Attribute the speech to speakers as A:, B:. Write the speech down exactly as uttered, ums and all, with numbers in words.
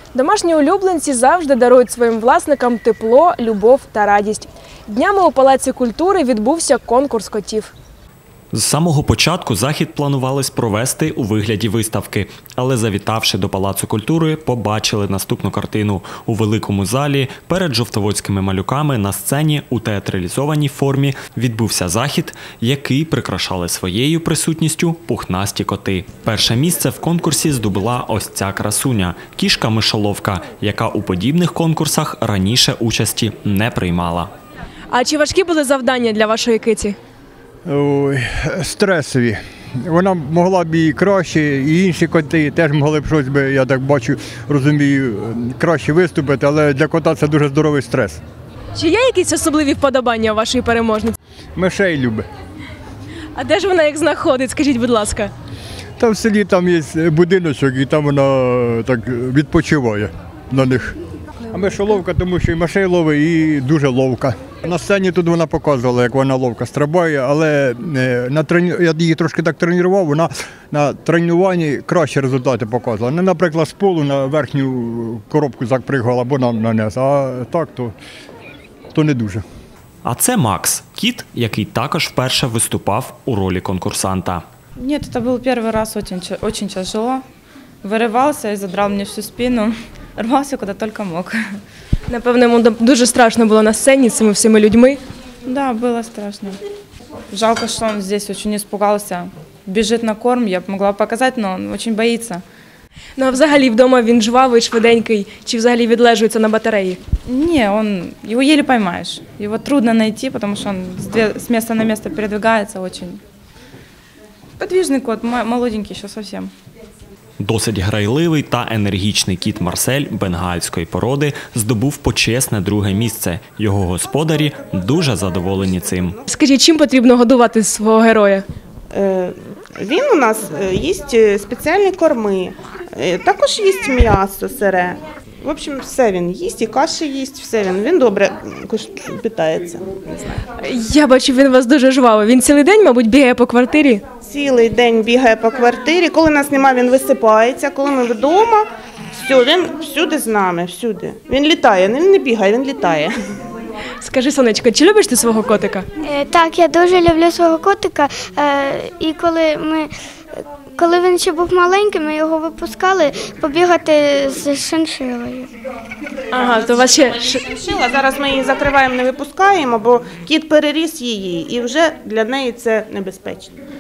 A: Домашні улюбленці завжди дарують своїм власникам тепло, любов та радість. Днями у Палаці культури відбувся конкурс котів.
B: З самого початку захід планувалось провести у вигляді виставки, але завітавши до Палацу культури, побачили наступну картину. У великому залі перед жовтоводськими малюками на сцені у театралізованій формі відбувся захід, який прикрашали своєю присутністю пухнасті коти. Перше місце в конкурсі здобула ось ця красуня – кішка-мишоловка, яка у подібних конкурсах раніше участі не приймала.
A: А чи важкі були завдання для вашої киці?
C: Ой, стресові. Вона могла б і краще, і інші коти теж могли б щось, би, я так бачу, розумію, краще виступити, але для кота це дуже здоровий стрес.
A: Чи є якісь особливі вподобання у вашої переможниці?
C: Мишей любить.
A: А де ж вона їх знаходить, скажіть, будь ласка?
C: Там в селі там є будиночок, і там вона так відпочиває на них. А мишоловка, тому що і мишей ловить, і дуже ловка. На сцені тут вона показувала, як вона ловко стрибає, але на трені... я її трошки так тренував, вона на тренуванні кращі результати показувала. Не, наприклад, з полу на верхню коробку запригала, або на, на низ, а так, то, то не дуже.
B: А це Макс – кіт, який також вперше виступав у ролі конкурсанта.
D: Нет, это был первый раз, очень, очень тяжело. Вырывался и задрал мне всю спину, рвался куда только мог.
A: Напевно, йому дуже страшно було на сцені з цими всіми людьми.
D: Да, было страшно. Жалко, что он здесь очень испугался. Бежит на корм, я бы могла показать, но он очень боится.
A: Ну а взагалі вдома він жвавий, швиденький, чи взагалі відлежується на батареї?
D: Не, он, его еле поймаешь. Его трудно найти, потому что он с места на место передвигается очень. Подвижный кот, молоденький еще совсем.
B: Досить грайливий та енергічний кіт Марсель бенгальської породи здобув почесне друге місце. Його господарі дуже задоволені цим.
A: Скажіть, чим потрібно годувати свого героя?
E: Він у нас їсть спеціальні корми, також їсть м'ясо сире. В общем, все він їсть, і каші їсть, все він. Він добре питається.
A: Я бачу, він у вас дуже жвавий. Він цілий день, мабуть, бігає по квартирі?
E: Цілий день бігає по квартирі. Коли нас немає, він висипається. Коли ми вдома, все, він всюди з нами, всюди. Він літає, він не бігає, він літає.
A: Скажи, сонечко, чи любиш ти свого котика?
F: Так, я дуже люблю свого котика. І коли ми... Коли він ще був маленький, ми його випускали побігати з шиншилою.
A: Ага, то у вас ще...
E: Шиншила, зараз ми її закриваємо, не випускаємо, бо кіт переріс її, і вже для неї це небезпечно.